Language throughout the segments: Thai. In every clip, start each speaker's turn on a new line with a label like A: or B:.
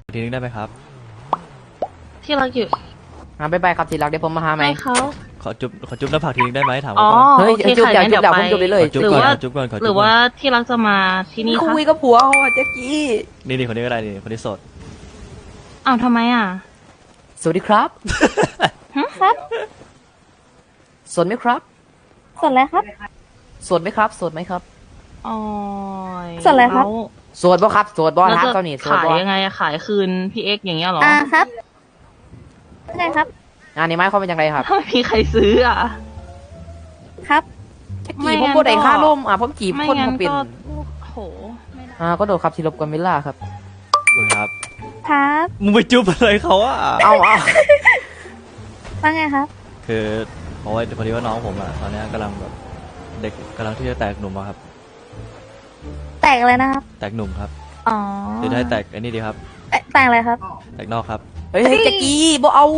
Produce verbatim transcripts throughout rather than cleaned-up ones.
A: ทีนึงได้ไหมครับ
B: ที่รักอยู่
C: อ่าบ๊ายบายครับทีรักเดี๋ยวผมมาหาไหม
B: ให้เขา
A: ขอจุ๊บขอจุ๊บหน้าผากทีนึงได้ไหมถาม
B: อ๋
A: เขา
B: อ
A: ก่อน
C: เฮ้ย
B: โอเค
C: จุ๊บ
B: ค่ะ
C: เดี๋ยว
B: งั้น
C: จุ๊บ
B: เดี๋ยว
C: เดี๋ยว
B: ไป
C: ผมจุ๊บไปเลย
A: ขอจุ๊บ
B: หรือ
A: ก่อน
B: ว่า
A: ขอจุ๊บก่อนขอ
B: ห
A: จุ๊
B: รื
A: บ
B: อ
A: ก่
B: ว่า
A: อน
B: ที่รักจะมาที่นี่
C: คุ
B: คะ
C: ยกับผัวเขาอะแจ็คกี้
A: นี่นี่คนนี้ก็ได้นี่คนนี้โสด
B: อ้าวทำไมอ่ะ
C: สวัสดีครับ
B: ฮะครับ
C: สดไหมครับ
B: สดแล้วครับ
C: สดไหมครับสดไหมครับ
B: อ๋อ
D: สดอะไรครับ
C: สดบ่ครับสดบ่
B: แล้ว
C: ครับ
B: จะ
C: ตอนนี้สด
B: ขาย
C: บ่
B: ยังไงอะขายคืนพี่เอ็กซ์อย่างเงี้ยเหรอ
D: อ่าครับไงครับ
C: งานนี้ไม้ความเป็นยังไงครับ
B: ถ้าไม่มีใครซื้ออ่ะ
D: ครับ
C: แจ็ค
B: ไม่
C: กี้ผม
B: งั้น
C: พูดไอ้
B: ก็
C: ค่าล่มอ่ะผมจีบ
B: ไม่
C: คน
B: งั้น
C: มาเป็น
B: ก็โหไม่ได้
C: อ่าก็โดดครับที่รบกวนเวลาครับ
A: คุณครับ
D: ครับ
A: มึงไปจุ๊บอะไรเขาอะ
C: เอาเอา
D: ว่าไงครับ
A: คือเพราะว่าพอดีว่าน้องผมอะตอนเนี้ยกำลังแบบเด็กกำลังที่จะแตกหนุ่มอะครับ
D: แตกอะไรนะครับ
A: แตกหนุ่มครับ
D: อ๋อ
A: หรือได้แตกไอ้นี่ดีครับ
D: แตแตกอะไรครับ
A: แตกนอกครับ
C: เฮ้ยเฮ้ยแจ็คกี้บ่เอา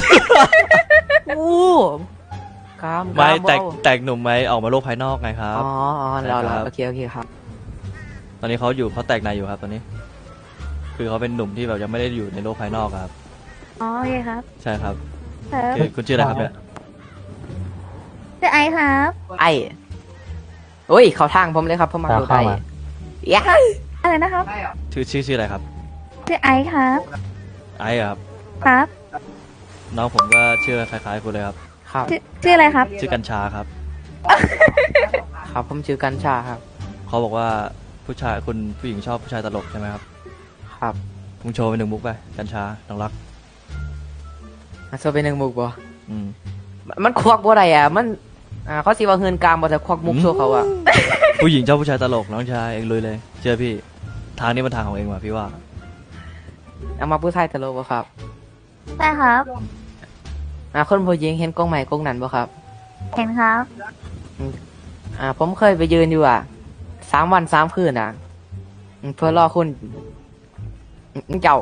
C: อู้กาม
A: ไม่
C: กามบ่
A: แตก
C: เอา
A: แตกหนุ่มไหมออกมาโลกภายนอกไงครับ
C: อ๋ออ๋อแล้ว
A: ใช่
C: แล้ว
A: ครับ
C: โอเคโอเคครับ
A: ตอนนี้เขาอยู่เขาแตกในอยู่ครับตอนนี้ คือเขาเป็นหนุ่มที่แบบยังไม่ได้อยู่ในโลกภายนอกครับ
D: อ๋อโอเคครับ
A: ใช่ครับ
D: ครับ
A: คือคุณชื่ออะไรครับเนี่ย
D: ชื่อไอซ์ครับ
C: ไอ้โอ้ยเขาทางผมเลยครับผมมาดูได้ยะ
D: อะไรนะครับ
A: ชื่อชื่อชื่ออะไรครับ
D: ชื่อไอซ์ครับ
A: ไอ้อะครับ
D: ครับ
A: น้องผมก็ชื่อคล้ายๆคุณเลยครับ
C: ครับ
D: ชื่อชื่ออะไรครับ
A: ชื่อกัญชาครับ
C: ครับผมชื่อกัญชาครับ
A: เขาบอกว่าผู้ชายคุณผู้หญิงชอบผู้ชายตลกใช่ไหมครับ
C: ครับ
A: มึงโชว์ไปหนึ่งมุกไปกัญชาน้องรัก
C: อ่ะโซเป็นหนึ่งมุกบ่
A: อืม
C: มันควักบ่ได้อ่ะมันอ่าเขาสิว่าเฮือนกลางบ่แต่ควักมุกโชว์เขาอ่ะ
A: ผู้หญิงชอบผู้ชายตลกน้องชายเองลุยเลยเชื่อพี่ทางนี้มันทางของเองว่ะพี่ว่า
C: เอามาผู้ชายตลกบ่ครับ
D: ใช่ครับ
C: อ่าคนผู้หญิงเห็นกล้องใหม่กล้องนั้นบ่ครับ
D: เห็นครับ
C: อ่าผมเคยไปยืนอยู่อ่ะสามวันสามคืนอ่ะอืมเพื่อรอคุณอืมเจ้า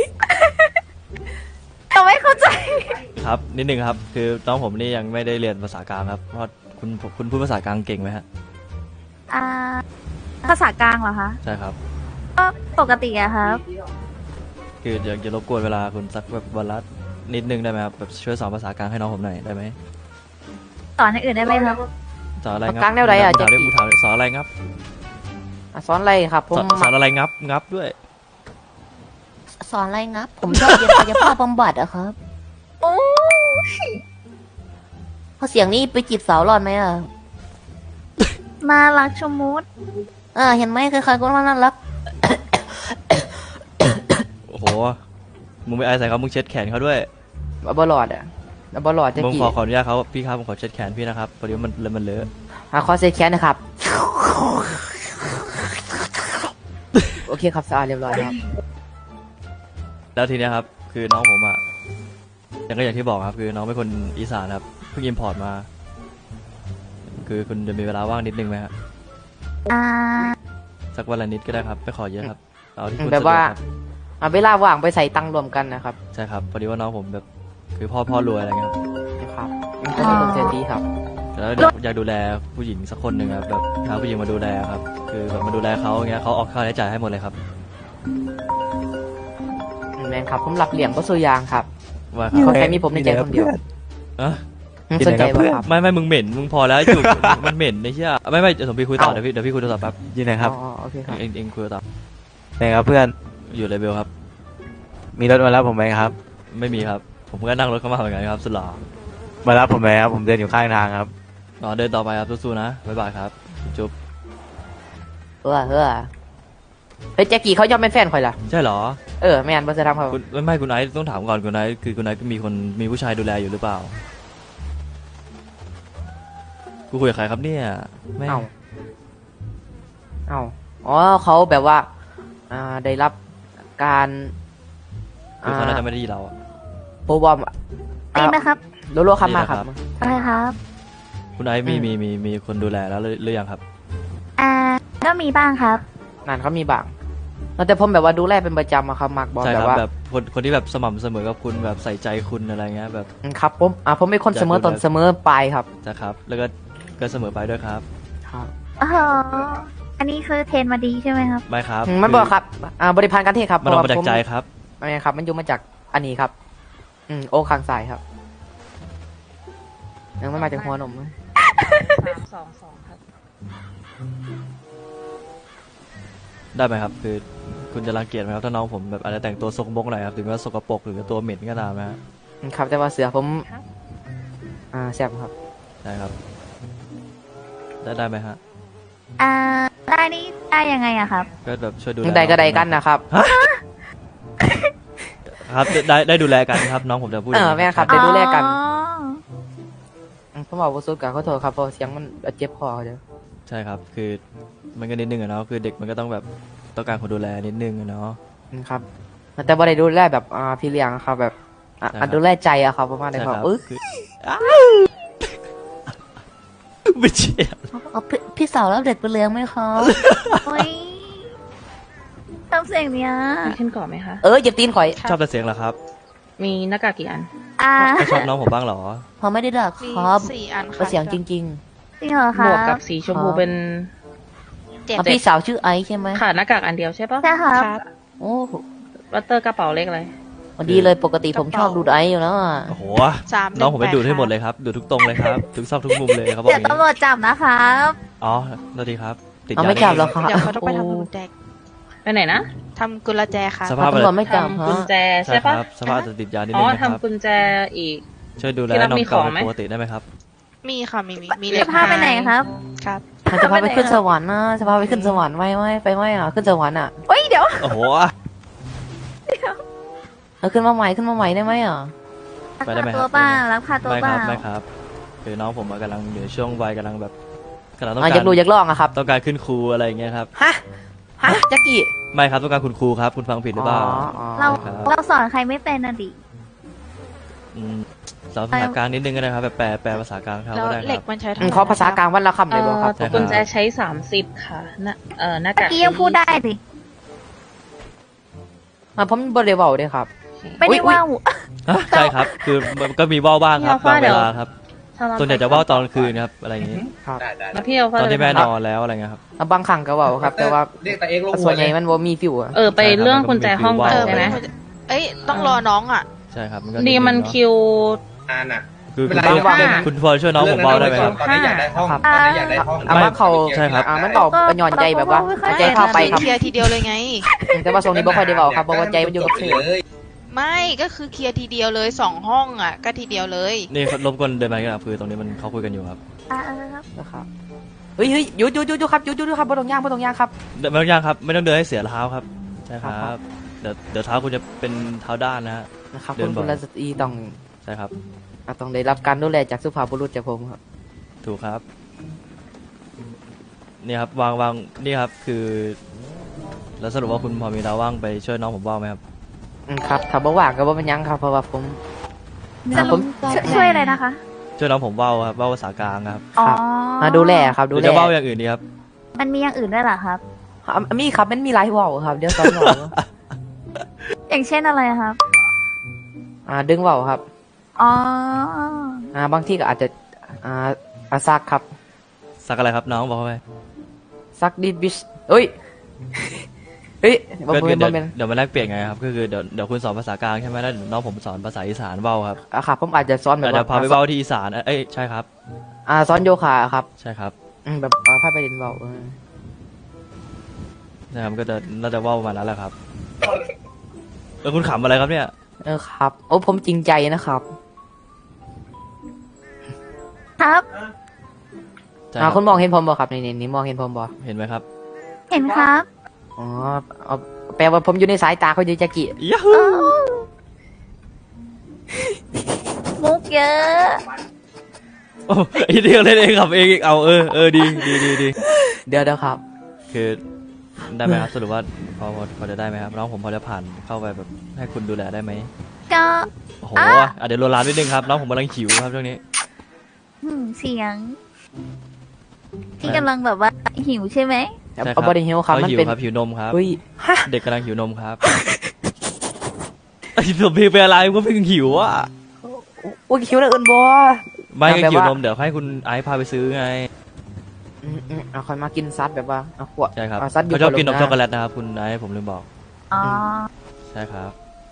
D: เราไม่เข้าใจ
A: ครับนิดนึงครับคือน้องผมนี่ยังไม่ได้เรียนภาษากลางครับเพราะคุณคุณพูดภาษากลางเก่งไหมฮะ
D: อ่า ภาษากลางเหรอคะ
A: ใช่ครับ
D: ก็ปกติอะครับ
A: คืออยากจะรบกวนเวลาคุณสักแบบวันละนิดนึงได้ไหมครับแบบช่วยสอนภาษากลางให้น้องผมหน่อยได้ไหม
D: สอนอย่างอื่นได้ไหมครับ
A: สอนอะไรงับ
C: กลางแนวใดอ่ะ
A: มึงถามดิ
C: แจ็คกี้
A: มึงถามดิสอนอะไรงับ
C: อ่ะสอนอะไรครับ ผม
A: สอนสอนอะไรงับงับด้วย
E: สอนอะไรงับ ผมชอบเรียนกายภาพบำบัดอะครับ
D: โอ้
E: เพราะเสียงนี้ไปจีบสาวรอดไหมอะ
D: น่ารักชะมุด
E: อ่าเห็นไหมใครๆก็ว่าน่ารัก
A: โอ้โหมึงไม่อายใส่เขามึงเช็ดแขนเขาด้วย
C: บ่หลอดอ่ะบ่หลอดแจ็ค
A: ผม
C: กี้
A: ขอขออนุญาตเขาพี่ครับผมขอเช็ดแขนพี่นะครับพอดีว่ามันมันเลอะ
C: อ่าขอเซ็ตแขนนะครับ โอเคครับสะอาดเรียบร้อยครับ
A: แล้วทีเนี้ยครับคือน้องผมอ่ะอย่างก็อย่างที่บอกครับคือน้องเป็นคนอีสานครับเพิ่งอิมพอร์ตมา คือคุณจะมีเวลาว่างนิดนึงไหมครับ
D: อ่า
A: สักวันละนิดก็ได้ครับไม่ขอเยอะครับเอาที่คุณ
C: แบบ
A: สะดว
C: ว่าก
A: ครับ
C: อ่าเวลาว่างไปใส่ตังค์รวมกันนะครับ
A: ใช่ครับพอดีว่าน้องผมแบบคือพ่อพ่อรวยอะไรเงี้ยครับ
C: นะครับมันก็จะเป็นเศรษฐีครับ
A: แล้วอยากอยากดูแลผู้หญิงสักคนหนึ่งครับแบบหาผู้หญิงมาดูแลครับ คือแบบมาดูแลเขาอย่างเงี้ยเขาออกค่าใช้จ่ายให้หมดเลยครับ
C: แมนครับผมรับเหลี่ยมก็สุยางครับ
A: ว่าค
C: เขา
A: รับ
C: แค่มีผมในใจคนเดียว
A: อะ
C: อืมสนใจป่ะครับ
A: ไม่ไม่มึงเหม็นมึงพอแล้วจุก มันเหม็นไอ้เชี่ยไม่ไม่เดี๋ยวผมพี่คุยต่อเดี๋ยวพี่เดี๋ยวพี่คุยโทรศัพท์แป๊บ
F: ยินดีครับ
C: อ๋อโอเคครับ
A: เองเองคุยต่อ
F: ไหนครับเพื่อน
A: อยู่เลเวลครับ
F: มีรถมารับผมไหมครับ
A: ไม่มีครับ ผมก็นั่งรถเข้ามาเหมือนกันครับสุดหล่อ
F: มารับผมไหมครับ ผมเดินอยู่ข้างทางครับ
A: รอเดินต่อไปครับสู้ๆนะบ๊ายบายครับจุ๊บ
C: เออเออเฮ้ยแจ็คกี้เขายอมเป็นแฟนข่อยล่ะ
A: ใช่เหรอ
C: เออแมนบอสทำเขา
A: คุณไม่ไม่คุณไอซ์ต้องถามก่อนคุณไอซ์คือคุณไอซ์มีคนมีผู้ชายดูแลอยู่หรือเปล่ากูคุยกับใครครับเนี่ยแม่ง
C: เอ้าเอ้าอ๋อเขาแบบว่า อ่าได้รับการ
A: คือเขาน่าจะไม่ได้ยินเราอะ
C: โปรบอม
D: จริงไหมครับ
C: โลโลคำมาครับ
D: อะไรครับ
A: คุณไอซ์มีมีมีมีคนดูแลแล้วหรือหรือยังครับ
D: อ่า ก็มีบ้างครับ
C: นั่นเขามีบางแต่ผมแบบว่าดูแลเป็นประจำอะครับมักบอล
A: ใช่
C: แบ
A: ครับ
C: บว่า
A: แบบคนคนที่แบบสม่ำเสมอกับคุณแบบใส่ใจคุณอะไรเงี้ยแบบ
C: อืมครับผมอ่าผมเป็นคนเสมอต้นเสมอปลายครับ
A: จะครับ แล้วก็ก็เสมอไปด้วยครับ
C: ครับ
D: อ๋อ อันนี้คือเทรนมาดีใช่ไหมครับ
A: ไม่ครับ
C: อืมมันบอกครับอ่าบริพารการเทศครับ
A: มันออกมาจาก
C: เพระว่
A: ใจ
C: ผม
A: ครับ
C: ไม่ครับ มันอยู่มาจากอันนี้ครับ อืมโอ้ข้างซ้ายครับยังไม่มาจากหัวนม
B: สามสองสองครับ
A: ได้ไหมครับ คือคุณจะรังเกียจไหมครับถ้าน้องผมแบบอาจจะแต่งตัวสกปรกหน่อยครับถึงแม้ว่าสกปรกหรือตัวเหม็นก็ตามนะฮะ
C: อืมครับแต่ว่าเสือผม
B: ครับ
C: อ่าแซ่บครับ
A: ใช่ครับ ได้ได้ไหมฮะ
D: อ่า ได้นี่ได้ยังไงอะครับ
A: ก็แบบช่วยดูแล
C: ใดก็ใด
A: องผม
C: กันนะครับ
A: ครับได้ได้ดูแลกันครับ น้องผมจะพูด
C: เออ
A: อย่างนี้
C: แม่ครับ ได้ดูแลกัน
D: อ๋อ
C: อืมผมบอกว่าสุดกับขอโทษครับเพราะเสียงมันเจ็บคอเดี๋ยว
A: ใช่ครับ คือมันก็นิดนึงอะเนาะคือเด็กมันก็ต้องแบบต้องการคนดูแลนิดนึงอะเนาะ
C: อืมครับแต่บ่ได้ดูแลแบบอ่าพี่เลี้ยงครับแบบอ่ะ
A: ใช่ครับ
C: อ่ะดูแลใจอะครับประมาณนี้
A: ใช่
C: ค
A: ค
C: รั
A: รั
C: บบ อึ๊ก
A: คืออ้าวไม่เชี่ย
E: เอาพี่พี่สาวรับเด็กไปเลี้ยงไหมคะ
D: โอ้ยทำเสียงเนี้ย
B: มีขึ้นก่อนไหมคะ
C: เออเหยียบตีนข่อย
A: ชอบแต่เสียงเหรอครับ
B: มีหน้ากากกี่อัน
D: อ่า
A: ไม่ชอบน้องผมบ้างเหรอ
E: พอไม่ได้ดักครับ
G: สี่อัน
E: ก็
G: ค่ะ
E: เสียงจริง
D: จริงเหรอ
B: ห
D: คะ
B: มวกกับสีชมพูเป็น
E: ๆ
G: เจ็ด
E: อ่ะพี่สาวชื่อไอซ์ใช่ไหม
B: ขาดหน้ากากอันเดียวใช่ปะ
D: ใช่ครับ
G: ครับ
E: โอ้
B: วัตเตอร์กระเป๋าเล็กอะไร
E: พอดีเลยปกติผมชอบดูไอซ์อยู่แล้วอ่ะ
A: โอ้โห
G: สาม
A: น้องผมไป
G: หนึ่แป
A: ดูดให้หมด
G: ค่ะ
A: เลยครับ ดูดทุกตรงเลยครับ ทุกซอกทุกมุมเลยเขาบอกอ
D: เดี๋ยว
A: ย่างนี้
D: ตำรวจจับนะครับ
A: อ๋อสวัสดีครับ ติด
E: เอา
A: ยา
E: ไม่จับหรอกครับ
G: เดี๋ยวเขาต้องไปทำกุญแจ
B: ไปไหนนะ
G: ทำกุญแจค่ะ
A: สภาพ
E: ตำรวจไม่จับ
B: ทำ
E: ฮะ
B: กุญแจ
A: ใช่
B: ใช่
A: ค
B: ปะ
A: รับสภาพอาจจะติดยานิด
B: อ๋
A: นึ
B: อง
A: นะครับ
B: ทำกุญแจอีก
A: ช่วยดูแล
B: ที่รับ
A: น้อง
B: มี
A: เก่า
B: ของไหม
A: ปกติได้ไหมครับ
G: มีค่ะมีมีมีเหล็
D: จะ
G: ก
D: พาไปไหนครับ
G: ครับ
E: มันจะพาไปขึ้นสวรรค์นะจะพาไปขึ้นสวรรค์ไหมไหมไปไหมอ่ะขึ้นสวรรค์อ่ะ
D: เฮ้ย เดี๋ยว
A: โอ้โห
E: เอาขึ้นมาใหม่ขึ้นมาใหม่ได้ไหมอ่ะ
A: ไปได้ไหมค
D: ตั
A: รั
D: ว
A: บ
D: เปล่ารับพาตัว
A: ไม่
D: เป
A: ค
D: ล่า
A: รับไม่ครับ คือน้องผมอะกำลังอยู่ในช่วงวัยกำลังแบบกำลังต้อง
C: อ่ะ
A: กา
C: อยาร กดูอยากลองอะครับ
A: ต้องการขึ้นครูอะไรอย่างเงี้ยครับ
C: ฮะฮะแจ็คกี้
A: ไม่ครับต้องการคุณครูครับ คุณฟังผิดหรือเปล่า
C: อ๋อ
D: เรา
A: ครับ
D: เราสอนใครไม่เป็นน่ะดิ
A: อืมสอนภาษากลางนิดนึงก็ได้ครับแบบแปลแปลภาษากลางเขา
G: แล้ว
A: ก็ได้ค
G: เหล็
A: รั
G: ก
A: บ
G: มันใช้
C: อืม
G: ทำ
C: ขอภาษากลางวันละคำเลยบ่ครับ
B: เอ่อกุญแจใช้สามสิบค่ะหน้าเอ่อหน้า
D: เมื่
B: กา
D: อก กี้ยังพูดได้ดิ
C: อ่ะผมบ่ได้เว้าเด้ครับ
D: ไม่
C: อุ๊
D: ได้
C: ยอุ๊ย
D: ว่าว
A: ฮะใช่ครับ คือมันก็มีว่าวบ้างครับบางเวลาครับ
B: ถ้เรา
A: ส่วนใหญ่จะว่าวตอนกลางคืนครับอะไรอย่างงี้
C: ครับ
B: แล้วพี่เอา
A: ตอนที่แม่
B: ไป
A: น
B: ทำ
A: อนแล้วอะไรเงี้ยครับ
C: อ่ะบางครั้งก็เว้าครับ แต่ว่า
H: เรียกแต่เองลงหั
C: ส่
H: ว
C: วนใหญ่มันบ่มีฟิวอะ
B: เออไปเรื่องกุญแจห้องก่อน
G: เออ
B: ใช่ไหม
G: เอ้ยต้องรอน้องอ่ะ
A: ใช่ครับมันก็
B: ดีมัน
A: เนาะ
B: คิว
H: อ่านอ่ะ
A: คือ
H: เว
A: คุณ
H: ลา
A: พอ
H: ว่าง
A: คุณพอช่วยน้องผมเบาได้ไหมครับ
H: ตอนนี้อยากได้ห้อง
C: ครับ
H: ตอนนี้อยากได้ห้อง
C: อ่ะว่าเขา
A: ใช่ครับ
C: อ่ะมันเว้าเป็นหย่อนใจแบบว่าใจเข้าไปครับ
G: เคลียร์ทีเดียวเลยไง
C: อืมแต่ว่าทรงนี้บ่ค่อยได้เว้าครับเพราะว่าใจมันอยู่กับ
H: เล
C: เธอ
H: ย
G: ไม่ก็คือเคลียร์ทีเดียวเลยสองห้องอ่ะ ก็ทีเดียวเลย
A: นี่รบกวนเดินมากันครับคือตรงนี้มันเขาคุยกันอยู่ครับ
D: อ่าเออครับ
C: นะครับเฮ้ยเฮ้ยหยุดหยุดหยุดหยุดครับหยุดหยุดหยุดครับบ่ต้องย่างบ่ต้องย่างครับ
A: เดินไม่ต้องย่างครับ ไม่ต้องเดินให้เสียเท้าครับใช่ค
C: ครั
A: รับ บเดี๋ยวเดี๋ยวเท้าคุณจะเป็นเท้าด้านนะฮะ
C: นะครับ
A: เดิ
C: คุ
A: น
C: ณ
A: บ่อย
C: กุลสตรีต้อง
A: ใช่ครับ
C: อ่ะต้องได้รับการดูแลจากสุภาพบุรุษจากผมครับ
A: ถูกครับนี่ครับวางวางนี่ครับคือ แล้วสรุปว่าคุณพอมีเวลาว่างไปช่วยน้องผมว่างไหมครับ
C: อืมครับถ้าบ่ว่างก็บ่เป็นหยังครับเพราะว่าผม
D: สรุป
C: ผม
D: ช่วยช่วยอะไรนะคะ
A: ช่วยน้องผมว่าวครับว่าวภาษากลางครับ
D: อ๋อ
C: อ่ะดูแลครับ
A: ห
C: ดู
A: รือ
C: แล
A: จะว่าวอย่างอื่นดีครับ
D: มันมีอย่างอื่นด้วยเหรอครับ
C: อ่ะมีครับมันมีหลายเว้าครับเดี๋ยวสอนเว้า
D: อย่างเช่นอะไรครับ
C: อ่าดึงเว้าครับ
D: อ๋อ
C: อ่าบางทีก็อาจจะอ่าอาซักครับ
A: สักอะไรครับน้องบอกไป
C: ซักดิดบิชเอ้ยเฮ้ยบ่
A: ก็
C: บ่
A: คือ
C: เป็น
A: เดี๋
C: บ่
A: ยว
C: เป็น
A: เดี๋ยวมาแลกเปลี่ยนไงครับก็คือเดี๋ยวเดี๋ยวคุณสอนภาษากลางใช่ไหมแล้วเดี๋ยวน้องผมสอนภาษาอีสานว่าวครับ
C: อ่ะครับผมอาจจะสอนแบบ
A: เดี๋ยว
C: ว่า
A: พาไปว่าวที่อีสานเอ้ยใช่ครับ
C: อ่าสอนโยคะครับ
A: ใช่ครับ
C: อืมแบบอ่าพาไปเรียนเว้าเออ
A: นะครับก็จะน่าจะว่าวประมาณนั้นแหละครับแล้วคุณขำอะไรครับเนี่ย
C: เออครับโอ้ผมจริงใจนะครับ
D: ครับ
A: ใช่
C: อ่า
A: รับ
C: คุณมองเห็นผมบ่ครับนี่นี่นี่มองเห็นผมบ่
A: เห็นไหมครับ
D: เห็นครับ
C: อ๋อเอาแปลว่าผมอยู่ในสายตาเขาอยู่จักกี้
A: ยาฮู
D: มุกเยอะ
A: โอ้ยเดียวเล่นเองขับเองอีกเอาเออเออดีดีดีดี
C: เดี๋ยวเดี๋ยวครับ
A: คือได้ไหมครับสรุปว่าพอพอพอจะได้ไหมครับน้องผมพอจะผ่านเข้าไปแบบให้คุณดูแลได้ไหม
D: ก็
A: โอ้โห
D: อ่ะ
A: อ่ะเดี๋ยวโรลานนิดนึงครับน้องผมกำลังหิวครับช่วงนี้
D: หืมเสียง ที่กำลังแบบว่าหิวใช่ไหม
A: ใช่ครับ
C: เอาบอดี้ฮิลครับ
A: เขา
C: มัน
A: หิว
C: เป็น
A: ครับหิวนมครับ
C: เฮ้ยฮะ
A: เด็กกำลังหิวนมครับไอ้ผมเพลงเป็นอะไรก็เพิ่งหิวอ่ะ
C: โอ้ยคิวแล้วเอินบอ
A: ไม่ก็
C: แบบ
A: หิว
C: ว่า
A: นมเดี๋ยวให้คุณไอซ์พาไปซื้อไง
C: อืมอืมเอาคอยมากินซัดแบบว่าเอาขวด
A: ใช่ครับ
C: เอาซัดอยู่
A: เขาชอบกินนม
C: บ
A: ช็อกโกแลตนะครับคุณไอซ์ผมลืมบอก
D: อ๋อ
A: ใช่ครับ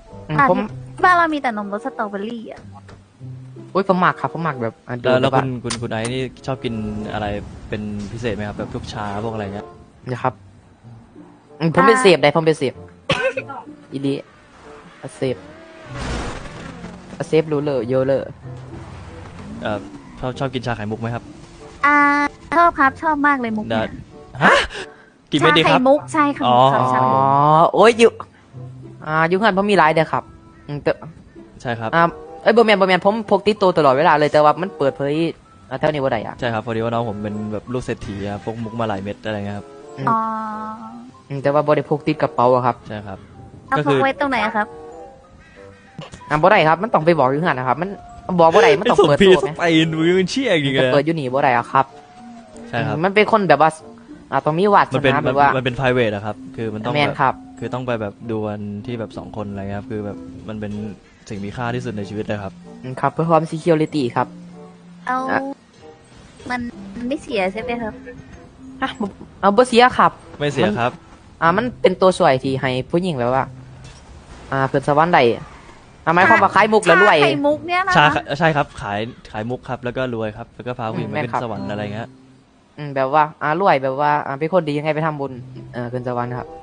C: อืม
D: อ่ะ
C: ผม
D: บ้านเรามีแต่นมรสสตรอเบอรี่อ่ะ
C: อุ้ยผมหมักครับผมหมักแบบอ่ะดู
A: แล้วแล้ว
C: บบ
A: คุณคุณคุณไอซ์นี่ชอบกินอะไรเป็นพิเศษไหมครับแบบพวกชาพวกอะไรเงี้ย
C: นะครับอืมผมเป็นเสพได้ผมเป็นเสพอีดีอ่ะเสพอ่ะเสพรู้เลยเยอะเลย
A: เอ่อชอบชอบกินชาไข่มุกไหมครับ
D: อ่าชอบครับชอบมากเลยมุก
A: ได้
D: เนี่ย
A: ฮะกินไม่ดีค
D: ชา
A: รับ
D: ไข่มุกใช่ค่ะ
A: อ๋อ
D: ชา
C: อ๋
D: ไข่มุก
C: อโอ้ยอยู่อ่าอยู่งานผมมีหลายเด้อครับอืมแต่
A: ใช่ครับ
C: อ่าเอ้ยบ่แมนบ่แมนผมพกติดตัวตลอดเวลาเลยแต่ว่ามันเปิดเผยอ่าเท่านี้บ่ได้อ่ะ
A: ใช่ครับพอดีว่าน้องผมเป็นแบบลูกเศรษฐีอะพกมุกมาหลายเม็ดอะไรเงี้ยครับ
D: อ๋อ
C: อืมแต่ว่าบ่ได้พกติดกระเป๋าอะครับ
A: ใช่ครับ
D: เอา
A: ก็
D: พ
A: คื
D: ก
A: อ
D: ไว้ตรงไหนอะครับ
C: อ่าบ่ได้ครับมันต้องไปบอกอยู่งานนะครับ มันบอกบ่ได้มันต้อง
A: ส่ง
C: เปิด
A: พี
C: ตัว
A: ส
C: ไหม
A: ไปน์มือมันเชี่ยจริงๆ
C: จะ
A: เลย
C: เปิดอยู่นี่บ่ได้อะครับ
A: ใช่ครับ
C: มันเป็นคนแบบว่าอ่าต้องมีวาส
A: มันเป็น
C: นา
A: มั
C: แบ
A: น
C: บว่า
A: มันเป็น private อะครับ คือมันต้อง
C: แมน
A: แบบ
C: ครับ
A: คือต้องไปแบบดูกันที่แบบสองคนอะไรเงี้ยครับ คือแบบมันเป็นสิ่งมีค่าที่สุดในชีวิตเลยครับ
C: อืมครับเพื่อความ security ครับ
D: เอา
C: อ่ะ
D: มันมันไม่เสียใช่ไหมครับ
C: อ่ะบ่เอาบ่เสียครับ
A: ไม่เสียครับ
C: อ่ามันเป็นตัวช่วยที่ให้ผู้หญิงแบบว่า อ่าเกิดสวรรค์ได้อ่าหมายความว่าขายมุกแล้วรวย
D: ชาไข่มุกเนี่ยนะ
A: ชา
D: คะ
A: ใช่ครับ ขายขายมุกครับ แล้วก็รวยครับ แล้วก็พาผู้หญิง
C: อืม
A: ไป
C: แม่น
A: ขึ้น
C: ครับ
A: สวรรค์อะไรเงี้ย
C: อืมแบบว่าอ่ารวยแบบว่าอ่าเป็นคนดียังไงไปทำบุญเออเกินสวรรค์ครับ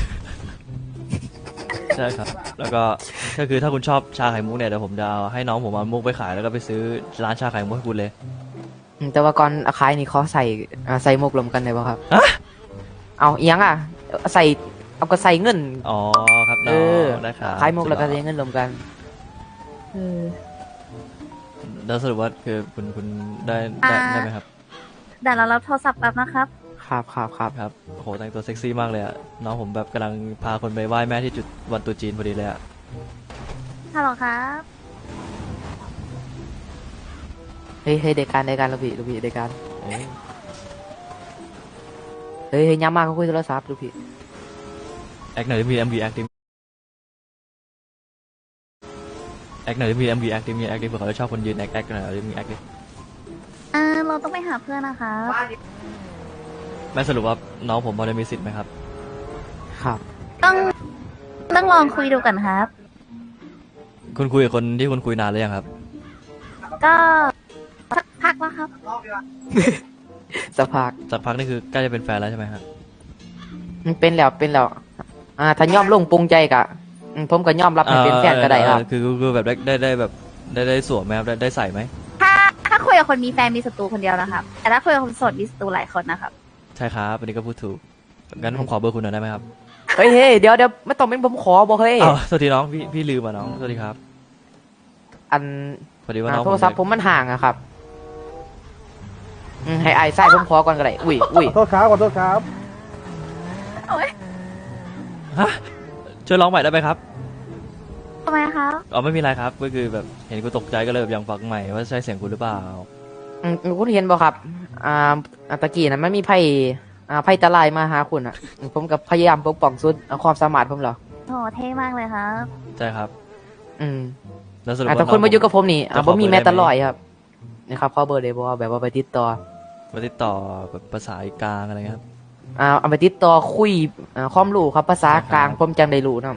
A: ใช่ครับ แล้วก็ก็คือถ้าคุณชอบชาไข่มุกเนี่ยเดี๋ยวผมจะเอาให้น้องผมเอามุกไปขายแล้วก็ไปซื้อร้านชาไข่มุกให้คุณเลย
C: อืมแต่ว่าก่อนเอาขายนี่เขาใส่อ่าใส่มุกรวมกันได้ป่ะครับ
A: ฮะ
C: เอาเอียงอ่ะใส่เอาก็ใส่เงิน
A: อ๋อครับ
C: เอ
A: น้อ
C: อง
A: ได้ครับ
C: ขายมุกแล้วก็ใส่เงินรวมกันเออ
A: แล้วสรุปว่าคือคุณคุณได้ได้ได้ไหมครับ
D: เดี๋ยวเรารับโทรศัพท์แป๊บนะครับ
C: ครับครับครับ
A: ครับโหแต่งตัวเซ็กซี่มากเลยอะน้องผมแบบกำลังพาคนไปไหว้แม่ที่จุดวันตรุษจีนพอดีเลยอะ
D: ฮัลโหลครับ
C: เฮ้ยเฮ้ยเด็กการเด็กการลูกพี่ลูกพี่เด็กการ
A: เอ๊ะ
C: เฮ้ยเฮ้ยย้ำมากเขาคุยโทรศัพท์ลูกพี่
A: แอคหน่อยดิมี เอ็ม วี แอคดิแอคหน่อยดิมี เอ็ม วี แอคดิมีแอคดิเผื่อเขาจะชอบคนยืนแอคแอคหน่อยดิมีแอคดิ
D: อ่าเราต้องไปหาเพื่อนนะคะ
A: แม่สรุปว่าน้องผมพอจะมีสิทธิ์ไหมครับ
C: ครับ
D: ต้องต้องลองคุยดูก่อนครับ
A: คุณคุยกับคนที่คุณคุยนานหรือยังครับ
D: ก็สักพักแล้วครับ
C: สักพัก
A: สักพักนี่คือใกล้จะเป็นแฟนแล้วใช่ไหมฮะ
C: มันเป็นแล้วเป็นแล้วอ่าถ้าย่อมลงปรุงใจกะอืมผมก็ย่อมรับให้เป็นแฟนก็ได้ครับ
A: เออคือคือคือแบบได้ได้ได้แบบได้ได้สวมไหมครับได้ได้ใส่ไหม
D: ถ้าถ้าคุยกับคนมีแฟนมีศัตรูคนเดียวนะครับ แต่ถ้าคุยกับคนโสดมีศัตรูหลายคนนะครับ
A: ใช่ครับอันนี้ก็พูดถูกงั้นผมขอเบอร์คุณหน่อยได้ไหมครับ
C: เฮ้ยเฮ้ยเดี๋ยวเดี๋ยวไม่ต้องเป็นผมขอบอกเฮ้ย
A: อ้าวสวัสดีน้องพี่พี่ลืมอ่ะน้องสวัสดีครับ
C: อัน
A: พอดีว่า
C: อ่า
A: น้อง
C: โทรศัพท์ผมมันห่างอะครับอืมให้ไอ้ไส้ผมขอก่อนก็ได้อุ้ยอุ้ย
I: ขอโทษครับขอโทษครับ
A: ฮะช่วยร้องใหม่ได้ไหมครับ
D: ทำไมคะ
A: อ๋อไม่มีไรครับก็คือแบบเห็นกูตกใจก็เลยแบบยังฟังใหม่ว่าใช่เสียงคุณหรือเปล่า
C: อืมคุณเห็นบ่ครับอ่าอ่าตะกี้นะมันมีไพ่อ่าไพ่ตะลายมาหาคุณอะอืมผมกับพยายามปกป้องสุดอ่าความสามารถผมเหรอ
D: โหเท่มากเลยครับ
A: ใช่ครับ
C: อืม
A: แล้วสรุป
C: อ่า
A: ว่า
C: แต่คนมาอยู่กับผมนี่
A: จะ
C: อ่า
A: ข
C: ผ
A: อ
C: มมี
A: เบอร์
C: แม้
A: ได้ไหม
C: แตลอยครับนะครับข้อเบอร์เลยบอกว่าแบบว่าไปติดต่อ
A: มาติดต่อแบบภาษาอีกลางอะไรเงี้ยครับ
C: อ่าเอาไปติดต่อคุยอ่าความรู้ครับภาษากลาง
A: ครับ
C: ผมจังได้รู้นํ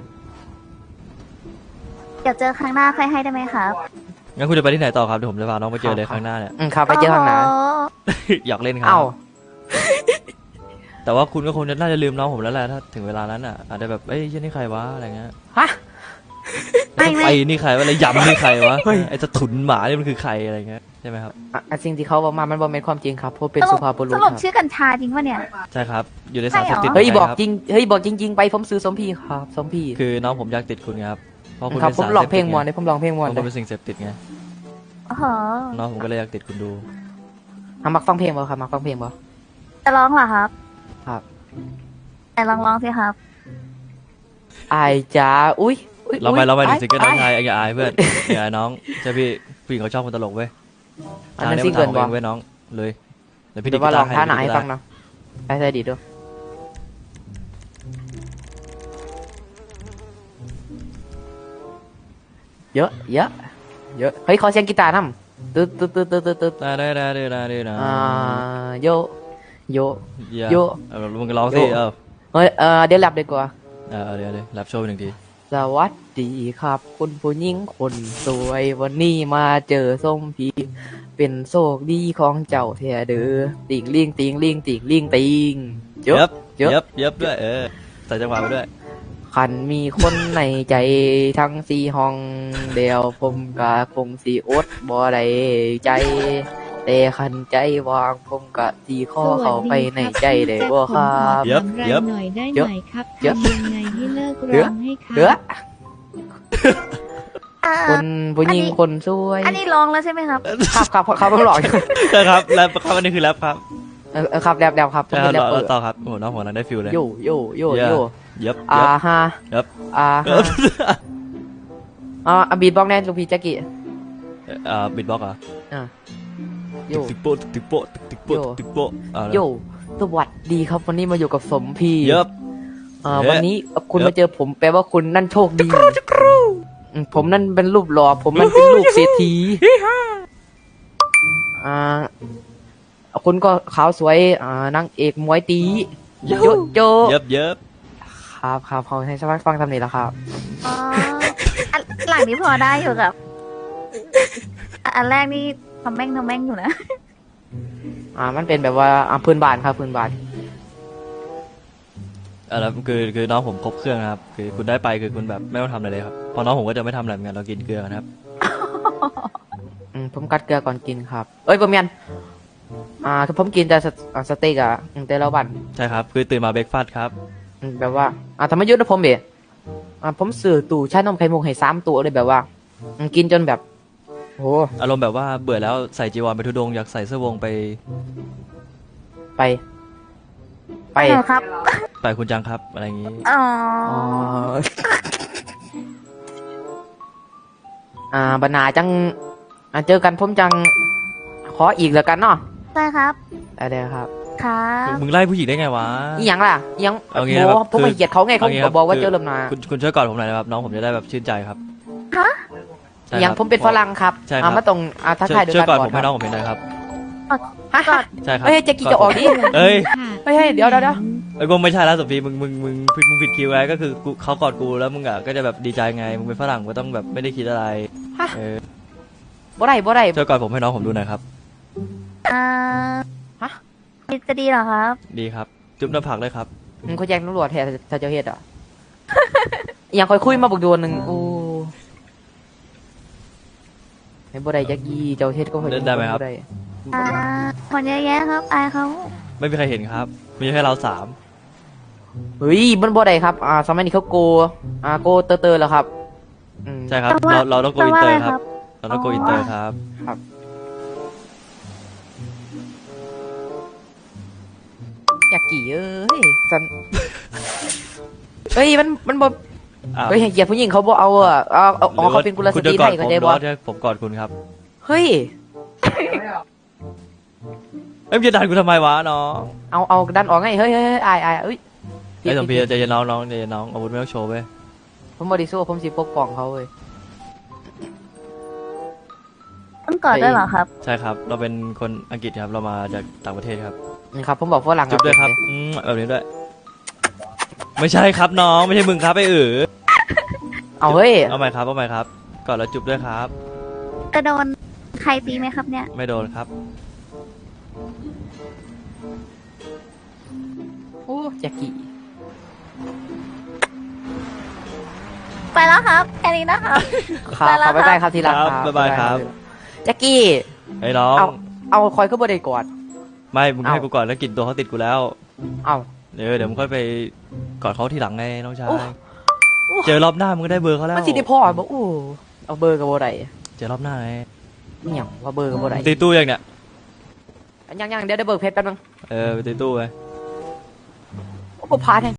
D: เดี๋ยวเจอครั้งหน้าค่อยให้ได้ไหมครับ
A: งั้นคุณจะไปที่ไหนต่อครับเดี๋ยวผมจะพาน้องไปเจอเลยข้างหน้าเนี่ย
C: อืมครับไปเจอข้างหน้า
D: โอ้โ
A: อยากเล่นครั
C: เอ้า
A: แต่ว่าคุณก็คงจะน่าจะลืมน้องผมแล้วแหละถ้าถึงเวลานั้นอ่ะอาจจะแบบเอ้ยเหี้ยนี่ใครวะอะไรเงี้ย
C: ฮะ
D: ไม่ไม่
A: ไอ้นี่ใครวะอะไรยำนี่ใครวะไอ้จะถุนหมานี่มันคือใครอะไรเงี้ยใช่ไหมครับ
C: อ่ะอ่ะสิ่งที่เขาบอกมามันบ่เป็นความจริงครับเพราะเป็น
D: ส
C: สุ
D: รุป
C: ภาพบุรุ
D: ส
C: ษ
D: รุป
C: ครับ
D: ชื่อกัญชาจริงปะเนี่ย
A: ใช่ครับอยู่ใน
D: ใช่
A: สาร
D: เหรอ
A: เสพติด
C: เฮ้ย
A: หมืน
C: บอก
A: นค
C: จริงเฮ้ยบอกจริง ๆ ไปผมซื้อสมพี่ครับสมพี่
A: คือน้องผมอยากติดคุณไงครับเพราะคุณ
C: ครับ
A: เป็น
C: ผม
A: สาร
C: ลอง
A: สพ
C: เพล
A: ติ
C: ง
A: ด
C: มวนเลยผมลองเพลงมวน
A: เพราะ
C: เล
A: คุณ
C: ย
A: เป็นสิ่งเสพติดไง
D: โอ้โห
A: น้องผมก็เลยอยากติดคุณดู
C: อ่ะมักฟังเพลงบ่ครับมักฟังเพลงบ่
D: จะร้องเหรอครับ
C: ครับ
D: แต่ลองร้องสิครับ
C: อายจ๋าอุ้ยอุ๊ย
A: เราไป
C: อุ๊ย
A: เราไปหนึ่งซิงเกิลน้อง
C: าย
A: ชายอย่าอายเพื่อนอย่าอายน้องใช่พี่ผู้หญิงเขาชอบคนตลกเว้ย
C: อันนั้น
A: ทาง
C: ซิงเกิล
A: มั
C: บ่
A: นทางของเองเว้ยน้องเลยเดี๋ยวพี่
C: เดี๋
A: ดิ
C: ยวว่าลอง
A: กีต
C: ท่าหนา
A: ให้
C: ให้ฟังเนาะใช่ใช่ดีด้วยเยอะเยอะเยอะเฮ้ยขอเสียงกีตาร์นำตึ๊ดตึ๊ดตึ๊ดตึ๊ดตึ๊ดตึ๊ด
A: ได้ได้ได้ได้ได้ได้
C: อ่าโยโย
A: อย่า
C: โย
A: เออมึงก็ร้องสิ
C: โย
A: เออ
C: เฮ้ยเออเดี๋ยวแรปดีกว่า
A: เออเดี๋ยวเดี๋ยวรับโชว์หนึ่งที
C: สวัสดีครับ คุณผู้หญิงคนสวยวันนี้มาเจอส้มพีเป็นโชคดีของเจ้าแท้เด้อติงลิงติงลิงติงลิงติงเย
A: เย็
C: อะ
A: บ
C: เยอะ
A: เย็บเย็บด้วยเออใส่จังหวะไปด้วย
C: คันมีคนในใจทั้งสี่ห้องเดียวผมก็คงสีอดบ่ได้ใจ แต่คันใจวางผมก็สีข้อเข้าไปในใจได้บ่ครับ
A: เย็บเย็บ
I: หน่อยได้
C: เยอะ
I: ไหมครับ
C: เยอะ
I: ทำยังไงให้เลิก
C: เย
I: ร้
C: อะ
I: องให้ครับ
C: เด้อ
D: อ่า
C: คนผู้หญิง
D: อันนี้
C: คนสวย
D: อันนี้ร้องแล้วใช่ไหมครับ
C: ครับครับครับผมหลอก
A: ใช่ครับแรปครับอันนี้คือแรปครับ
C: เออเออครับแดบแดบครับผม
A: ใช่ค
C: เป็
A: รับ
C: นแรปเปอ
A: ต่อ
C: ร์
A: ต่อครับโอ้โหน้องผมกำลังได้ฟิลเลย
C: โยโยโย
A: เยอะ
C: โย
A: เย็บ
C: อ่า
A: เย็บ
C: ฮะ
A: เย็บ
C: อ่า
A: เอ
C: ฮะ
A: อ
C: อ่าอ่ะบีบล็อกแน่ลูกพี่แจ็กกี้
A: อ่าบิดบ็อกเหรอ
C: อ่ะโย
A: ตึกโป๊ะตึกโป๊ะตึกโป๊ะ
C: โย
A: ตึกโป๊ะอ่า
C: โยสวัสดีครับวันนี้มาอยู่กับสมพี
A: เย็บ
C: อ่า
A: เยอะ
C: วันนี้คุณ
A: เยอะ
C: มาเจอผมแปลว่าคุณนั่นโชคดีอืมผมนั่นเป็นรูปหล่อผมนั่นเป็นลูกเศรษฐีอ่าคุณก็ขาวสวยอ่านางเอกมวยตีโยโย
A: เย็บเย็บ
C: ครับครับเขาให้ชาวบ้านฟังทำนี้แล้วครับ
D: อ๋ออันหลังนี้พอได้อยู่ครับอ่ะอันแรกนี่ทำแม่งทำแม่งอยู่นะ
C: อ่ามันเป็นแบบว่าอ่าพื้นบ้านครับพื้นบ้าน
A: อ่าแล้วคือคือน้องผมครบเครื่องนะครับคือคุณได้ไปคือคุณแบบไม่ต้องทำอะไรเลยครับเพอน้องผมก็จะไม่ทำอะไรเหมือนกันเรากินเกลือนะครับ
C: อืมผมกัดเกลือก่อนกินครับ เอ้ยผมยันอ่าคือผมกินแต่สอ่าสเต็กอะอืมแต่ละวัน
A: ใช่ครับคือตื่นมาเบรกฟาสต์ครับ
C: อืมแบบว่าอ่าธรรมยุทธ์นะผมเบะอ่าผมซื้อตู้ชานมไข่มุกให้สามตัวเลยแบบว่าอืมกินจนแบบโห
A: อารมณ์แบบว่าเบื่อแล้วใส่จีวรไปทุดงค์อยากใส่เสื้อวงไป
C: ไป ไป
D: เหรอครับ
A: ไปคุณจังครับอะไรอย่างนี้
D: อ๋อ
C: อ๋ออ่าบรรณาจังอ่าเจอกันผมจังขออีกแล้วกันเนาะ
D: ใช่ครับ
C: ได้เลยครับ
D: ครับ
A: มึงไล่ผู้หญิงได้ไงวะ
C: อีหยังล่ะอีหยัง
A: เอางี้
C: โห
A: นะครับ
C: ผม
A: คือ
C: ไม่เกลียดเขาไงเขา
A: เอางี้ครับ
C: บอกว่า
A: คือ
C: เจอเริ่มนา
A: คุณคุณช่วยกอดผมหน่อยนะครับน้องผมจะได้แบบชื่นใจครับ
D: ฮะ
A: ใช่
C: อีหยัง
A: ครับ
C: ผมเป็นฝรั่งครับ
A: ใช่ครับ
C: อ่ามาตรงอ่าทัก
A: ช่ว
C: ทาย ยด้วย
A: ช่วย
C: กัน
A: กอด
C: ก่อ
A: ผ
C: น
A: ม
C: ค
A: ให้
C: รับ
A: น้องผมเป็นหน่อยครับ
C: ฮะ
D: กอด
A: ใช่ครับ
C: เฮ้ยแจ็คกี้จะออกดิ
A: เอ้ย
C: เฮ้ยเฮ้ยเดี๋ยวเดี๋ยวเดี๋ยว
A: ไอ้ยกูไม่ใช่แล้วสุพีมึงมึงมึงผิดมึงผิดคิวไงก็คือกูเขากอดกูแล้วมึงอ่ะก็จะแบบดีใจไงมึงเป็นฝรั่งก็ต้องแบบไม่ได้คิดอะไร
C: ฮะ
A: เออ
C: บ่ได้บ่ได้
A: ช่วยกอดผมให้น้องผมดูหน่อยครับ
D: อ่า
C: ฮะ
D: จะดีเหรอครับ
A: ดีครับ จุ๊บหน้าผากเลยครับ
C: มึงเขาแจ้งตำรวจแทนถ้าเจ้าเฮ็ดอ่ะ อหยังคอยคุยมาบอกดวนหนึ่งโอ้ไม่บ่ได้แจ็คกี้เจ้าเฮ็ดก็คอย
A: เล่นได้ไหมครับ
C: ได้
D: อ่าคนเยอะแยะครับ อายเขา
A: ไม่มีใครเห็นครับมีแค่เราสาม
C: เฮ้ยมันบ่ได้ครับ อ่าสมัยนี้เขาโก อ่าโกเตอร์เตอร์แล้วครับอืม
A: ใช่ครับ
D: แปลว่า
A: เราเราต้องโก
D: แปล
A: อิน
D: ว่า
A: เตอ
D: อะไร
A: ร์ค
D: ครั
A: รับ บเราต้องโกอินเตอร์ครับ
C: แจ็คกี้เอ้ยสัน เฮ้ยมันมันบ่
A: อ้าว
C: เฮ้ยให้เกียรติผู้หญิงเขาบ่เอาอ่ะเอาเอาอ๋อเขาเป็นกุลส
A: คุณ
C: ตรี
A: จะก
C: ไท
A: อด
C: ย
A: ผ
C: ก็
A: ม
C: ได้
A: หรือ
C: บ่
A: ว่าจะผมกอดคุณครับ
C: เฮ้ย
A: เอ้ยมึงจะดันกูทำไมวะน้อง
C: เอาเอาดันออกไงเฮ้ยเฮ้ยเฮ้ยอายอายเอ้ย
A: ไอ้สมพีใจเย็นน้องน้องใจเย็นน้องอาวุธไม่ต้องโชว์เว้ย
C: ผมบริสุทธิ์ผมสิปกป้องเขาเว้ย
D: ต้องกอดด้วยเหรอครับ
A: ใช่ครับ เราเป็นคนอังกฤษครับเรามาจากต่างประเทศครับ
C: นี่ครับผมบอกฝรั่ง
A: จุ๊บด้วยครับอืมแบบนี้ด้วย ไม่ใช่ครับน้องไม่ใช่มึงครับไอ้เอ๋อ
C: เอาเฮ้ย
A: เอาใหม่ครับเอาใหม่ครับกอดแล้วจุ๊บด้วยครับ
D: จะโดนใครตีไหมครับเนี่ย
A: ไม่โดนครับ
C: โอ้แจ็คกี้
D: ไปแล้วครับ แค่นี้นะครับ
C: ครับ
D: ไปแล้
C: ขอ
D: ว
C: บ๊ายบายครับทีหลัง
A: ครับบ๊ายบายครับ
C: แจ็คกี้
A: ไอ้น้อง
C: เอา เอาคอยขึ้นบนได้ก่อน
A: ไม่มึง
C: เอ้า
A: ให้กูก่อนแล้วกลินตัวเขาติดกูแล้ว
C: เอา
A: เดี๋ยวเดี๋ยวมึงค่อยไปกอดเขาทีหลังไงน้องชาย
C: โอ้
A: เจอรอบหน้ามึงก็ได้เบอร์เขาแล้ว
C: มันสิได้พ่อบอกโอ้เอาเบอร์กับโบได้
A: เจอรอบหน้าไง
C: นี่หยังว่าเบอร์กับโบได้
A: ตีตู้ยังเนี่ย
C: ยังยังเดี๋ยวได้เบอร์เพชรแป๊บนึง
A: เออไปตีตู้ไป
C: โอ้พาแทง